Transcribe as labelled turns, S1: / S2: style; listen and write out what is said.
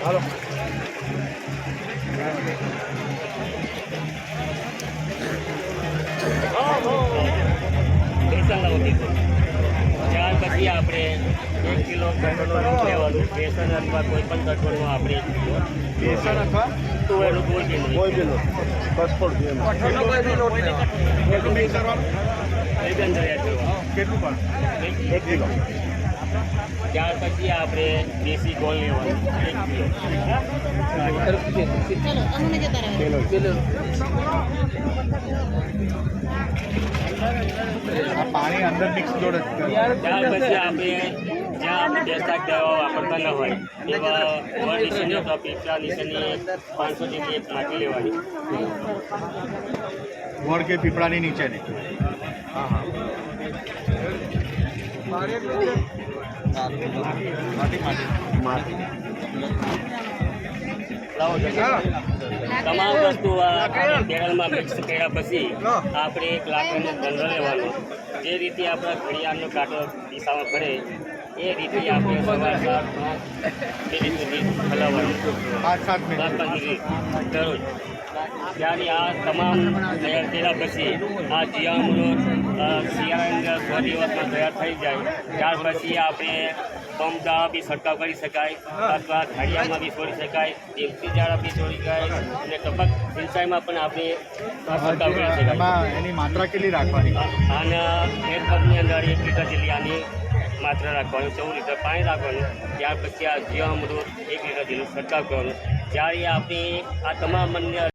S1: હાલો
S2: બેસન લાવતી ત્યાર પછી આપણે 1 કિલો કઠોળનું દૂધ લેવાનું. બેસન અથવા કોઈ પણ કઠોળનું આપણે 1 કિલો
S1: બેસન અથવા
S2: તુવેરનું કોઈ બી નહીં.
S1: કોઈ બી લોટ કઠોળ જોઈએ
S3: કઠોળનો કોઈ બી લોટ લેવાનો.
S1: કેટલું મિક્સ કરવાનું
S2: બેસન તૈયાર કરવાનું.
S1: કેટલું પણ 1 કિલો
S2: ત્યાર પછી આપણે દેશી ગોળ લેવાનું 1 કિલો.
S1: કિલો આ પાણી અંદર મિક્સ જોડે જ કરવાનું.
S2: ત્યાર પછી આપણે જ્યાં આપણે બેસતા દવા વાપરતા ન હોય એવા ઓવર નીચેની અથવા પીપળા નીચેની 500 જેટલી એક માટી લેવાની.
S1: ગોળ કે પીપળાની નીચેની હા હા માટી
S2: લાવો જરા. તમામ વસ્તુ આ કેરળમાં મિક્સ કર્યા પછી આપણે એક લાકડીનો દંડો લેવાનો. જે રીતે આપણા ઘડિયાળનો કાંટો દિશામાં ફરે એ રીતે આપણે સવાર 7 સુધી હલાવવાનું
S1: 5-7 મિનિટ
S2: 5 મિનિટ દરરોજ. ત્યારે આ તમામ તૈયાર કર્યા પછી આ જીવામૃત શિયાળાની અંદર 100 દિવસમાં તૈયાર થઈ જાય. ત્યાર પછી આપણે પંપ દાળા બી છંટકાવ કરી શકાય અથવા ઘડિયાળમાં બી છોડી શકાય, દેશી દાળા બી છોડી શકાય અને ટપક સિંચાઈમાં પણ આપણે છંટકાવ કરી શકાય.
S1: એમાં એની માત્રા કેટલી રાખવાની
S2: અને 1 કપની અંદર 1 લીટર જેટલી આની માત્રા રાખવાની, 14 લીટર પાણી રાખવાનું. ત્યાર પછી આ જીવામૃત 1 લીટર જેટલું છંટકાવ કરવાનું. જ્યારે આપણે આ તમામ અન્ય